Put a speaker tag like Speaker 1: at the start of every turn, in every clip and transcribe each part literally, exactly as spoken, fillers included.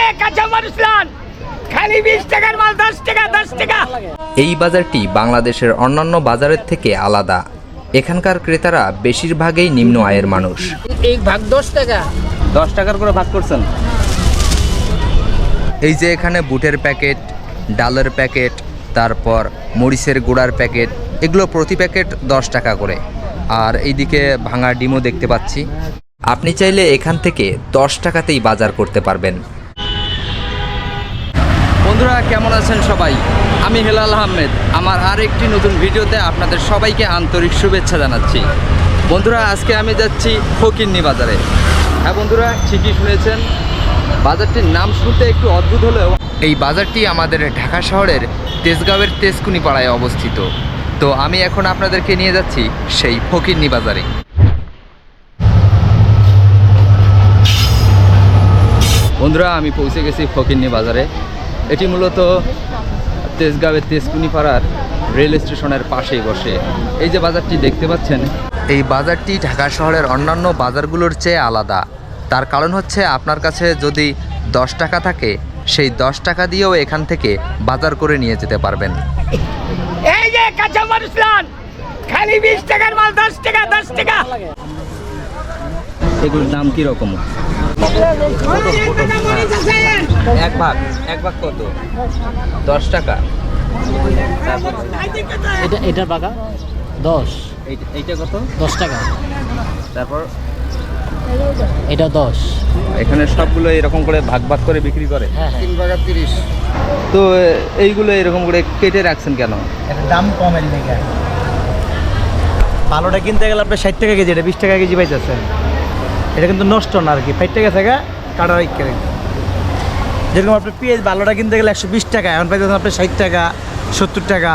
Speaker 1: এই বাজারটি বাংলাদেশের অন্যান্য বাজারের থেকে আলাদা। এখানকার ক্রেতারা বেশিরভাগই নিম্ন আয়ের মানুষ।
Speaker 2: এক ভাগ দশ টাকা
Speaker 3: দশ টাকার করে ভাগ করছেন।
Speaker 1: এই যে এখানে বুটের প্যাকেট, ডালের প্যাকেট, তারপর মরিচের গুঁড়ার প্যাকেট, এগুলো প্রতি প্যাকেট দশ টাকা করে। আর এইদিকে ভাঙা ডিমও দেখতে পাচ্ছি। আপনি চাইলে এখান থেকে দশ টাকাতেই বাজার করতে পারবেন।
Speaker 3: বন্ধুরা কেমন আছেন সবাই? আমি হেলাল আহমেদ। আমার আর একটি নতুন ভিডিওতে আপনাদের সবাইকে আন্তরিক শুভেচ্ছা জানাচ্ছি। বন্ধুরা আজকে আমি যাচ্ছি ফকিরনী বাজারে। হ্যাঁ বন্ধুরা, ঠিকই শুনেছেন, বাজারটির নাম শুনতে একটু অদ্ভুত হলেও
Speaker 1: এই বাজারটি আমাদের ঢাকা শহরের তেজগাঁওয়ের তেজকুনি পাড়ায় অবস্থিত। তো আমি এখন আপনাদেরকে নিয়ে যাচ্ছি সেই ফকিরনী বাজারে।
Speaker 3: বন্ধুরা আমি পৌঁছে গেছি ফকিরনী বাজারে। এটি মূলত তেজগাঁওয়ের তেজকুনি পাড়ার রেল স্টেশনের পাশেই বসে। এই যে বাজারটি দেখতে পাচ্ছেন,
Speaker 1: এই বাজারটি ঢাকা শহরের অন্যান্য বাজারগুলোর চেয়ে আলাদা। তার কারণ হচ্ছে আপনার কাছে যদি দশ টাকা থাকে, সেই দশ টাকা দিয়েও এখান থেকে বাজার করে নিয়ে যেতে পারবেন।
Speaker 2: এই যে কাঁচা মরিচ লান খালি বিশ টাকার মাল দশ টাকা দশ টাকা।
Speaker 3: এগুলোর দাম কীরকম?
Speaker 1: এক ভাগ এক ভাগ কত? দশ টাকা।
Speaker 4: এটা এটার বাগা দশ।
Speaker 3: এইটা কত?
Speaker 4: দশ টাকা।
Speaker 3: তারপর
Speaker 4: এটা দশ।
Speaker 3: এখানে সবগুলো এরকম করে ভাগ ভাগ করে বিক্রি করে।
Speaker 4: হ্যাঁ হ্যাঁ।
Speaker 5: তিন ভাগা তিরিশ।
Speaker 3: তো এইগুলো এরকম করে কেটে রাখছেন কেন?
Speaker 6: এটা দাম কমের লেগে। ভালোটা কিনতে গেলে আপনি ষাট টাকা কেজি, এটা বিশ টাকা কেজি পাইতেছেন। এটা কিন্তু নষ্ট না আর কি, ষাট টাকা থেকে কাটা কেটে। যেরকম আপনি পেঁয়াজ ভালোটা কিনতে গেলে একশো বিশ টাকা, এখন পাইতেছেন আপনি ষাট টাকা সত্তর টাকা।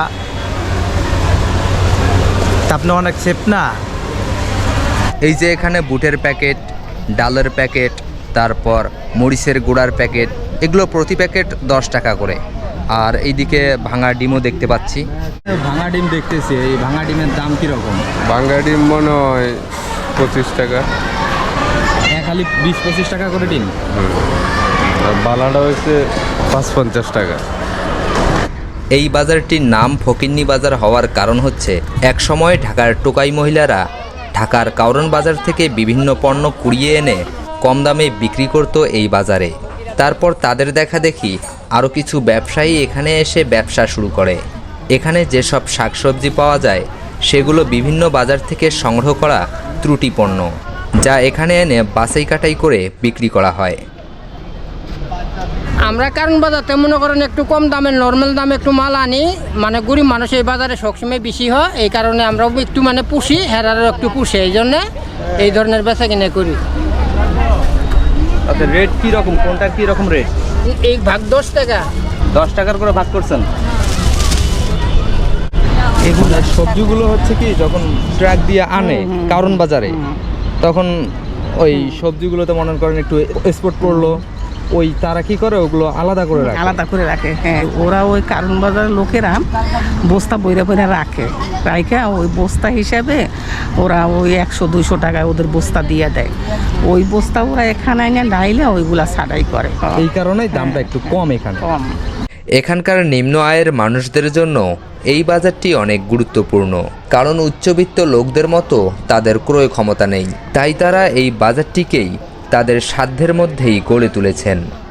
Speaker 6: তা আপনি অনেক সেফ না।
Speaker 1: এই যে এখানে বুটের প্যাকেট, ডালের প্যাকেট, তারপর মরিচের গুঁড়ার প্যাকেট, এগুলো প্রতি প্যাকেট দশ টাকা করে। আর এইদিকে ভাঙা ডিমও দেখতে পাচ্ছি।
Speaker 3: ভাঙা ডিম দেখতেছি, এই ভাঙা ডিমের দাম কীরকম?
Speaker 5: বাঙ্গা ডিম মনে হয় পঁচিশ টাকা।
Speaker 3: খালি বিশ পঁচিশ টাকা করে ডিম।
Speaker 5: আর বালাটা হচ্ছে পাঁচ পঞ্চাশ টাকা।
Speaker 1: এই বাজারটির নাম ফকিরনী বাজার হওয়ার কারণ হচ্ছে এক সময় ঢাকার টোকাই মহিলারা ঢাকার কারওয়ান বাজার থেকে বিভিন্ন পণ্য কুড়িয়ে এনে কম দামে বিক্রি করত এই বাজারে। তারপর তাদের দেখা দেখি আরও কিছু ব্যবসায়ী এখানে এসে ব্যবসা শুরু করে। এখানে যেসব শাকসবজি পাওয়া যায় সেগুলো বিভিন্ন বাজার থেকে সংগ্রহ করা ত্রুটি পণ্য, যা এখানে এনে বাছাই কাটাই করে বিক্রি করা হয়।
Speaker 2: আমরা কারণ বাজারতে মনে করেন একটু কম দামে নর্মাল দামে একটু মাল আনি, মানে গরিব মানুষ এই বাজারে সবসময় বেশি হয়, এই কারণে আমরাও একটু মানে পুষি, হেরারও একটু পুষি, এই জন্যে এই ধরনের বেচা কিনে করি।
Speaker 3: আচ্ছা, রেট কীরকম? কোনটার কীরকম রেট?
Speaker 2: এক ভাগ দশ টাকা।
Speaker 3: দশ টাকার করে ভাগ করছেন। এগুলো সবজিগুলো হচ্ছে কি যখন ট্রাক দিয়ে আনে কারওয়ান বাজারে, তখন ওই সবজিগুলোতে মনে করেন একটু এক্সপোর্ট করলো, ওই তারা কি করে ওগুলো আলাদা করে রাখে।
Speaker 7: আলাদা করে রাখে, হ্যাঁ। ওরা ওই কারওয়ান বাজারের লোকেরা বস্তা বইরা বইরা রাখে, রাখে ওই বস্তা হিসাবে ওরা ওই একশো দুইশো টাকায় ওদের বস্তা দিয়ে দেয়। ওই বস্তা ওরা এখানে এনে ডাইলে ওইগুলা ছাড়াই করে।
Speaker 3: এই কারণেই দামটা একটু কম এখানে।
Speaker 7: কম।
Speaker 1: এখানকার নিম্ন আয়ের মানুষদের জন্য এই বাজারটি অনেক গুরুত্বপূর্ণ, কারণ উচ্চবিত্ত লোকদের মতো তাদের ক্রয় ক্ষমতা নেই। তাই তারা এই বাজারটিকেই তাদের সাধ্যের মধ্যেই গড়ে তুলেছেন।